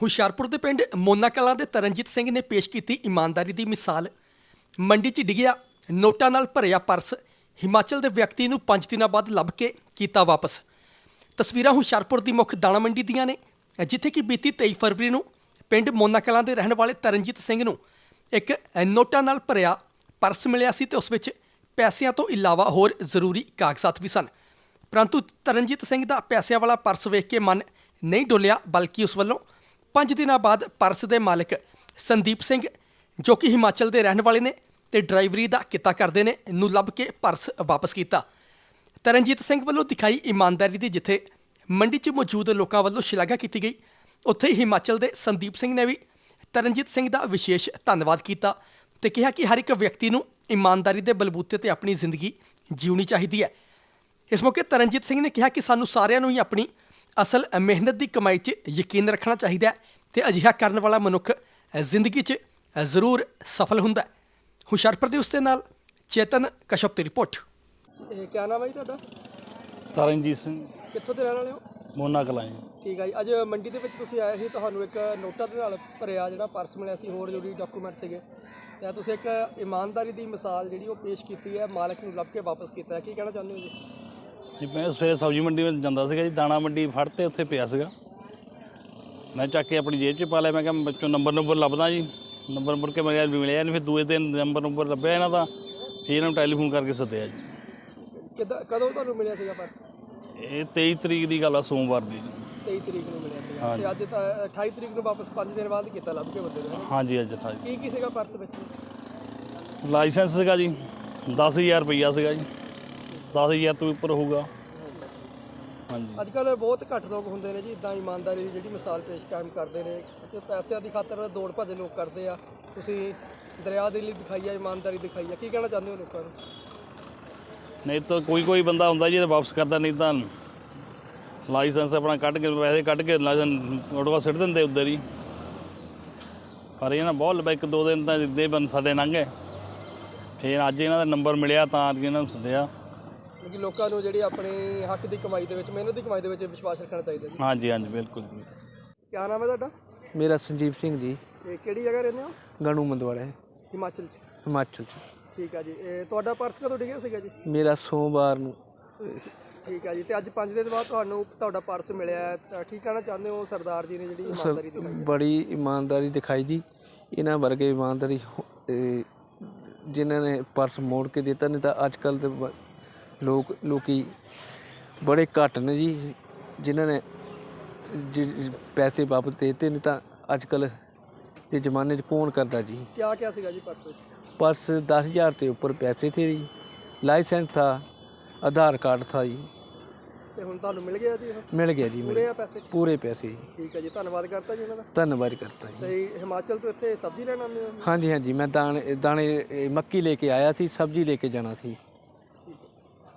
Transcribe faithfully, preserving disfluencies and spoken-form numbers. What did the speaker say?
ਹੁਸ਼ਿਆਰਪੁਰ ਦੇ ਪਿੰਡ ਮੋਨਾ ਕਲਾਂ ਦੇ ਤਰਨਜੀਤ ਸਿੰਘ ਨੇ ਪੇਸ਼ ਕੀਤੀ ਇਮਾਨਦਾਰੀ ਦੀ ਮਿਸਾਲ। ਮੰਡੀ 'ਚ ਡਿੱਗਿਆ ਨੋਟਾਂ ਨਾਲ ਭਰਿਆ ਪਰਸ ਹਿਮਾਚਲ ਦੇ ਵਿਅਕਤੀ ਨੂੰ ਪੰਜ ਦਿਨਾਂ ਬਾਅਦ ਲੱਭ ਕੇ ਕੀਤਾ ਵਾਪਸ। ਤਸਵੀਰਾਂ ਹੁਸ਼ਿਆਰਪੁਰ ਦੀ ਮੁੱਖ ਦਾਣਾ ਮੰਡੀ ਦੀਆਂ ਨੇ, ਜਿੱਥੇ ਕਿ ਬੀਤੀ ਤੇਈ ਫਰਵਰੀ ਨੂੰ ਪਿੰਡ ਮੋਨਾ ਕਲਾਂ ਦੇ ਰਹਿਣ ਵਾਲੇ ਤਰਨਜੀਤ ਸਿੰਘ ਨੂੰ ਇੱਕ ਨੋਟਾਂ ਨਾਲ ਭਰਿਆ ਪਰਸ ਮਿਲਿਆ ਸੀ ਤੇ ਉਸ ਵਿੱਚ ਪੈਸਿਆਂ ਤੋਂ ਇਲਾਵਾ ਹੋਰ ਜ਼ਰੂਰੀ ਕਾਗਜ਼ਾਤ ਵੀ ਸਨ। ਪਰੰਤੂ ਤਰਨਜੀਤ ਸਿੰਘ ਦਾ ਪੈਸਿਆਂ ਵਾਲਾ ਪਰਸ ਵੇਖ ਕੇ ਮਨ ਨਹੀਂ ਡੋਲਿਆ, ਬਲਕਿ ਉਸ ਵੱਲੋਂ ਪੰਜ ਦਿਨਾਂ ਬਾਅਦ ਪਰਸ ਦੇ ਮਾਲਕ ਸੰਦੀਪ ਸਿੰਘ, ਜੋ ਕਿ ਹਿਮਾਚਲ ਦੇ ਰਹਿਣ ਵਾਲੇ ਨੇ ਤੇ ਡਰਾਈਵਰੀ ਦਾ ਕਿੱਤਾ ਕਰਦੇ ਨੇ, ਨੂੰ ਲੱਭ ਕੇ ਪਰਸ ਵਾਪਸ ਕੀਤਾ। ਤਰਨਜੀਤ ਸਿੰਘ ਵੱਲੋਂ ਦਿਖਾਈ ਇਮਾਨਦਾਰੀ ਦੀ ਜਿੱਥੇ ਮੰਡੀ 'ਚ ਮੌਜੂਦ ਲੋਕਾਂ ਵੱਲੋਂ ਸ਼ਲਾਘਾ ਕੀਤੀ ਗਈ, ਉੱਥੇ ਹੀ ਹਿਮਾਚਲ ਦੇ ਸੰਦੀਪ ਸਿੰਘ ਨੇ ਵੀ ਤਰਨਜੀਤ ਸਿੰਘ ਦਾ ਵਿਸ਼ੇਸ਼ ਧੰਨਵਾਦ ਕੀਤਾ ਤੇ ਕਿਹਾ ਕਿ ਹਰ ਇੱਕ ਵਿਅਕਤੀ ਨੂੰ ਇਮਾਨਦਾਰੀ ਦੇ ਬਲਬੂਤੇ ਤੇ ਆਪਣੀ ਜ਼ਿੰਦਗੀ ਜਿਉਣੀ ਚਾਹੀਦੀ ਹੈ। ਇਸ ਮੌਕੇ ਤਰਨਜੀਤ ਸਿੰਘ ਨੇ ਕਿਹਾ ਕਿ ਸਾਨੂੰ ਸਾਰਿਆਂ ਨੂੰ ਹੀ ਆਪਣੀ ਅਸਲ ਮਿਹਨਤ ਦੀ ਕਮਾਈ 'ਚ ਯਕੀਨ ਰੱਖਣਾ ਚਾਹੀਦਾ ਹੈ ਤੇ ਅਜਿਹਾ ਕਰਨ ਵਾਲਾ ਮਨੁੱਖ ਜ਼ਿੰਦਗੀ 'ਚ ਜ਼ਰੂਰ ਸਫਲ ਹੁੰਦਾ ਹੈ। ਹੁਸ਼ਿਆਰਪੁਰ ਦੇ ਉਸ ਦੇ ਨਾਲ ਚੇਤਨ ਕਸ਼ਪ ਦੀ ਰਿਪੋਰਟ। ਇਹ ਕੀ ਨਾਮ ਹੈ ਜੀ ਤੁਹਾਡਾ? ਤਰਨਜੀਤ ਸਿੰਘ। ਕਿੱਥੋਂ ਦੇ ਰਹਿਣ ਵਾਲੇ ਹੋ? ਮੋਨਾ ਕਲਾਂ ਜੀ। ਠੀਕ ਹੈ ਜੀ। ਅੱਜ ਮੰਡੀ ਦੇ ਵਿੱਚ ਤੁਸੀਂ ਆਏ ਸੀ, ਤੁਹਾਨੂੰ ਇੱਕ ਨੋਟਾਂ ਦੇ ਨਾਲ ਭਰਿਆ ਜਿਹੜਾ ਪਰਸ ਮਿਲਿਆ ਸੀ, ਹੋਰ ਜ਼ਰੂਰੀ ਡਾਕੂਮੈਂਟ ਸੀਗੇ, ਤੇ ਤੁਸੀਂ ਇੱਕ ਇਮਾਨਦਾਰੀ ਦੀ ਮਿਸਾਲ ਜਿਹੜੀ ਉਹ ਪੇਸ਼ ਕੀਤੀ ਹੈ, ਮਾਲਕ ਨੂੰ ਲੱਭ ਕੇ ਵਾਪਸ ਕੀਤਾ ਹੈ। ਕੀ ਕਹਿਣਾ ਚਾਹੁੰਦੇ ਹੋ ਜੀ? ਜੀ ਮੈਂ ਸਵੇਰੇ ਸਬਜ਼ੀ ਮੰਡੀ ਵਿੱਚ ਜਾਂਦਾ ਸੀਗਾ ਜੀ, ਦਾਣਾ ਮੰਡੀ ਫੜ ਤੇ ਉੱਥੇ ਪਿਆ ਸੀਗਾ, ਮੈਂ ਚੱਕ ਕੇ ਆਪਣੀ ਜੇਬ 'ਚ ਪਾ ਲਿਆ। ਮੈਂ ਕਿਹਾ ਬੱਚੋਂ ਨੰਬਰ ਨੰਬਰ ਲੱਭਦਾ ਜੀ, ਨੰਬਰ ਮੁੜ ਕੇ ਮੈਂ ਮਿਲਿਆ ਨਹੀਂ। ਫਿਰ ਦੂਏ ਦਿਨ ਨੰਬਰ ਨੰਬਰ ਲੱਭਿਆ ਇਹਨਾਂ ਦਾ, ਫਿਰ ਇਹਨਾਂ ਨੂੰ ਟੈਲੀਫੋਨ ਕਰਕੇ ਸੱਦਿਆ ਜੀ। ਕਿੱਦਾਂ ਕਦੋਂ ਤੁਹਾਨੂੰ ਮਿਲਿਆ ਸੀਗਾ ਪਰਸ? ਇਹ ਤੇਈ ਤਰੀਕ ਦੀ ਗੱਲ ਆ, ਸੋਮਵਾਰ ਦੀ। ਤੇਈ ਤਰੀਕ ਨੂੰ ਮਿਲਿਆ ਸੀਗਾ ਤੇ ਅੱਜ ਤਾਂ ਅਠਾਈ ਤਰੀਕ ਨੂੰ ਵਾਪਸ ਪੰਜ ਦਿਨ ਬਾਅਦ ਕੀਤਾ ਲੱਭ ਕੇ ਬੰਦੇ ਨੇ। ਹਾਂਜੀ ਅੱਜ ਅਠਾਈ। ਕੀ ਕੀ ਸੀਗਾ ਪਰਸ ਵਿੱਚ? ਲਾਇਸੈਂਸ ਸੀਗਾ ਜੀ, ਦਸ ਹਜ਼ਾਰ ਰੁਪਈਆ ਸੀਗਾ ਜੀ, ਦਸ ਹਜ਼ਾਰ ਤੋਂ ਉੱਪਰ ਹੋਊਗਾ। ਹਾਂਜੀ। ਅੱਜ ਕੱਲ੍ਹ ਬਹੁਤ ਘੱਟ ਲੋਕ ਹੁੰਦੇ ਨੇ ਜੀ ਇੱਦਾਂ ਇਮਾਨਦਾਰੀ ਦੀ ਜਿਹੜੀ ਮਿਸਾਲ ਪੇਸ਼ ਕਾਇਮ ਕਰਦੇ ਨੇ, ਕਿ ਪੈਸਿਆਂ ਦੀ ਖਾਤਰ ਦੌੜ ਭੱਜ ਲੋਕ ਕਰਦੇ ਆ। ਤੁਸੀਂ ਦਰਿਆ ਦੇ ਲਈ ਦਿਖਾਈ ਆ, ਇਮਾਨਦਾਰੀ ਦਿਖਾਈ ਆ, ਕੀ ਕਹਿਣਾ ਚਾਹੁੰਦੇ ਹੋ ਲੋਕਾਂ ਨੂੰ? ਨਹੀਂ ਤਾਂ ਕੋਈ ਕੋਈ ਬੰਦਾ ਹੁੰਦਾ ਜੀ ਵਾਪਸ ਕਰਦਾ, ਨਹੀਂ ਤਾਂ ਲਾਇਸੈਂਸ ਆਪਣਾ ਕੱਢ ਕੇ ਪੈਸੇ ਕੱਢ ਕੇ ਲਾਇਸੈਂਸ ਆਟੋਆ ਸਿੱਟ ਦਿੰਦੇ ਉੱਧਰ ਹੀ। ਪਰ ਇਹ ਨਾ ਬਹੁਤ ਲੰਬਾ ਇੱਕ ਦੋ ਦਿਨ ਤਾਂ ਇੱਦਾਂ ਹੀ ਸਾਡੇ ਲੰਘੇ, ਫਿਰ ਅੱਜ ਇਹਨਾਂ ਦਾ ਨੰਬਰ ਮਿਲਿਆ ਤਾਂ ਇਹਨਾਂ ਨੂੰ ਸੱਦਿਆ। ਕਿ ਲੋਕਾਂ ਨੂੰ ਜਿਹੜੀ ਆਪਣੇ ਹੱਕ ਦੀ ਕਮਾਈ ਦੇ ਵਿੱਚ, ਮਿਹਨਤ ਦੀ ਕਮਾਈ ਦੇ ਵਿੱਚ ਵਿਸ਼ਵਾਸ ਰੱਖਣਾ ਚਾਹੀਦਾ ਜੀ। ਹਾਂਜੀ ਹਾਂਜੀ ਬਿਲਕੁਲ। ਕੀ ਨਾਮ ਹੈ ਤੁਹਾਡਾ? ਮੇਰਾ ਸੰਜੀਵ ਸਿੰਘ ਜੀ। ਇਹ ਕਿਹੜੀ ਜਗ੍ਹਾ ਰਹਿੰਦੇ ਹੋ? ਗਣੂ ਮੰਦਵਾੜਾ, ਹਿਮਾਚਲ 'ਚ। ਹਿਮਾਚਲ 'ਚ। ਠੀਕ ਹੈ ਜੀ। ਇਹ ਤੁਹਾਡਾ ਪਰਸ ਕਦੋਂ ਡਿੱਗਿਆ ਸੀਗਾ ਜੀ? ਮੇਰਾ ਸੋਮਵਾਰ ਨੂੰ। ਠੀਕ ਹੈ ਜੀ। ਤੇ ਅੱਜ ਪੰਜ ਦਿਨ ਬਾਅਦ ਤੁਹਾਨੂੰ ਤੁਹਾਡਾ ਪਰਸ ਮਿਲਿਆ, ਤਾਂ ਕੀ ਕਹਿਣਾ ਚਾਹੁੰਦੇ ਹੋ? ਸਰਦਾਰ ਜੀ ਨੇ ਜਿਹੜੀ ਇਮਾਨਦਾਰੀ ਦਿਖਾਈ, ਬੜੀ ਇਮਾਨਦਾਰੀ ਦਿਖਾਈ ਜੀ। ਇਹਨਾਂ ਵਰਗੇ ਇਮਾਨਦਾਰੀ ਜਿਨ੍ਹਾਂ ਨੇ ਪਰਸ ਮੋੜ ਕੇ ਦਿੱਤਾ, ਨਹੀਂ ਤਾਂ ਅੱਜ ਕੱਲ੍ਹ ਦੇ ਲੋਕ ਲੋਕੀ ਬੜੇ ਘੱਟ ਨੇ ਜੀ ਜਿਨ੍ਹਾਂ ਨੇ ਜ ਪੈਸੇ ਵਾਪਸ ਦੇ ਦਿੱਤੇ, ਨਹੀਂ ਤਾਂ ਅੱਜ ਕੱਲ੍ਹ ਦੇ ਜ਼ਮਾਨੇ 'ਚ ਕੌਣ ਕਰਦਾ ਜੀ। ਕਿਆ ਕਿਆ ਸੀਗਾ ਜੀ ਪਰਸ ਵਿੱਚ? पर्स दस हज़ार के ऊपर पैसे थे जी, लाइसेंस था, आधार कार्ड था जी। ਤੇ ਹੁਣ ਤੁਹਾਨੂੰ ਮਿਲ ਗਿਆ ਜੀ? मिल गया जी, ਪੂਰੇ ਆ ਪੈਸੇ? पूरे पैसे जी। ਠੀਕ ਹੈ ਜੀ, ਧੰਨਵਾਦ ਕਰਤਾ ਜੀ ਉਹਨਾਂ ਦਾ। धन्यवाद करता जी। ਤੇ ਹਿਮਾਚਲ ਤੋਂ ਇੱਥੇ ਸਬਜ਼ੀ ਲੈਣ ਆਉਂਦੇ ਹੋ? हाँ जी हाँ जी, मैं दाने दाने मक्की लेके आया थी, सब्जी लेके जाना थी।